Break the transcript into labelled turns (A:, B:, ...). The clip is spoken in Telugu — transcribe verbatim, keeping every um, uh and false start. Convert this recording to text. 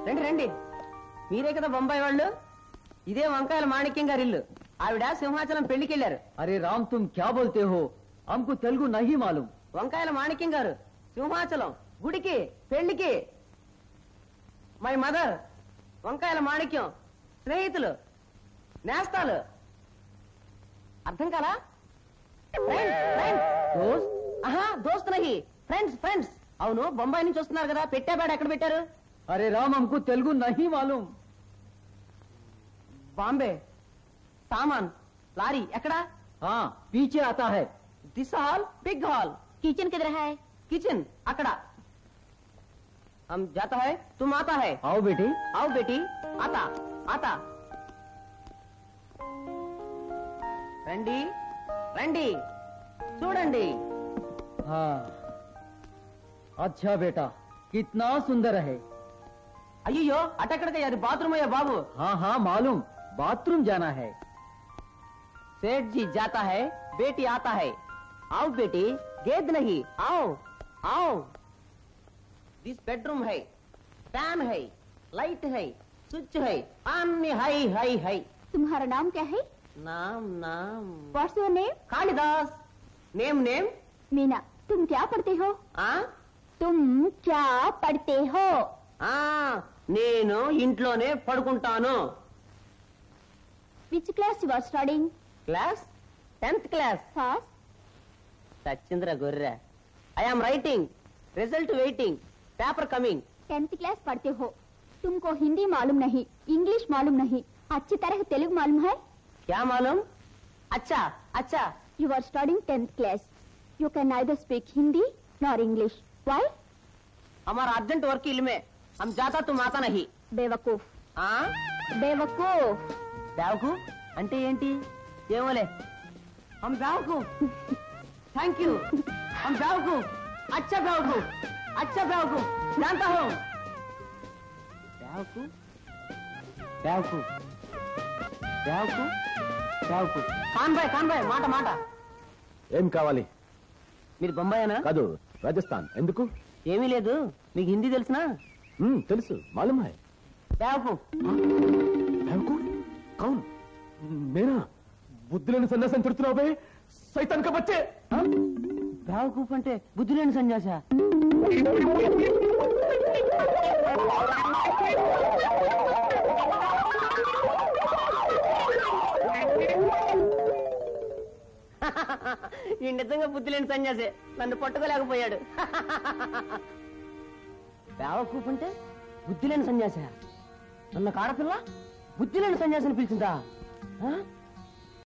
A: రండి రండి, మీరే కదా బొంబాయి వాళ్ళు. ఇదే వంకాయల మాణిక్యం గారి ఇల్లు. ఆవిడ సింహాచలం పెళ్లికి వెళ్ళారు.
B: అరే రామ్, తుమ్ క్యా బోల్తే హో? హమ్కు తెలుగు నహీ మాలూం.
A: వంకాయల మాణిక్యం గారు సింహాచలం గుడికి పెళ్లికి. మై మదర్ వంకాయల మాణిక్యం స్నేహితులు నేస్తాలు. అర్థం కాలా? దోస్త్? ఆహా, దోస్త్ నహీ, ఫ్రెండ్స్ ఫ్రెండ్స్. అవును, బొంబాయి నుంచి వస్తున్నారు కదా, పెట్టాబాడు ఎక్కడ పెట్టారు?
B: అరే రామ్, హమ్కు తెలుగు నహీ మాలూం.
A: బాంబే. సామాన్ లారీ ఎక్కడ?
B: हाँ पीछे आता है.
A: This hall big hall.
C: Kitchen किधर है?
A: కిచెన్ అక్కడ. हम जाता है तुम आता है.
B: आओ बेटी.
A: आओ बेटी. आता आता. రండి రండి చూడండి.
B: हाँ अच्छा बेटा, कितना सुंदर है.
A: అయ్యో అటెక్కడికి, అది బాత్రూమ్ అయ్యా బాబు.
B: हाँ हाँ मालूम, बाथरूम जाना है.
A: सेठ जी जाता है, बेटी आता है. आओ बेटी, गेद नहीं, आओ आओ. दिस बेडरूम है, फैन है, लाइट है, स्विच है, अन्य है है है.
C: तुम्हारा नाम क्या है?
A: नाम नाम
C: what's your name?
A: Kalidas. Name name
C: Meena. तुम क्या पढ़ते हो?
A: आ
C: तुम क्या पढ़ते हो?
A: ఆ నేను ఇంట్లోనే పడుకుంటాను.
C: Which class you are studying?
A: Class tenth class.
C: Fast.
A: Sachindra Gorre. I am writing, result waiting, paper coming.
C: Tenth class पढ़ते हो, तुमको हिंदी मालूम नहीं, इंग्लिश मालूम नहीं, अच्छी तरह तेलुगु मालूम है?
A: क्या मालूम? अच्छा अच्छा.
C: You are studying tenth class. You can neither speak Hindi nor English. Why?
A: हमारा अर्जेंट वर्क इल में, हम जाता तुम आता नहीं.
C: बेवकूफ.
A: आ
C: बेवकूफ.
A: बेवकूफ అంటే ఏంటి? ఏమోలే. हम बेवकूफ. Thank you. हम बेवकूफ. अच्छा बेवकूफ, अच्छा बेवकूफ, जानता हूँ. बेवकूफ बेवकूफ बेवकूफ बेवकूफ. ఖాన్ భాయ్ ఖాన్ భాయ్ మాట మాట.
D: ఏం కావాలి?
A: మీరు బొంబాయేనా?
D: కాదు, రాజస్థాన్. ఎందుకు?
A: ఏమీ లేదు. మీకు హిందీ తెలుసునా?
D: తెలుసు, మాలూమ్ హై.
A: బేవకూఫ్.
D: బేవకూఫ్? కౌన్? మేనా? బుద్ధి లేని సన్యాసం తిడుతున్నావు బే, సైతాన్ కా బచ్చే.
A: బేవకూఫ్ అంటే బుద్ధి లేని సన్యాస? ఈ నిజంగా బుద్ధి లేని సన్యాసే, నన్ను పట్టుకోలేకపోయాడు. బేవకూఫ్ అంటే బుద్ధి లేని సన్యాస? నన్న కాడపిల్ల బుద్ధి లేని సన్యాసిని పిలిచిందా?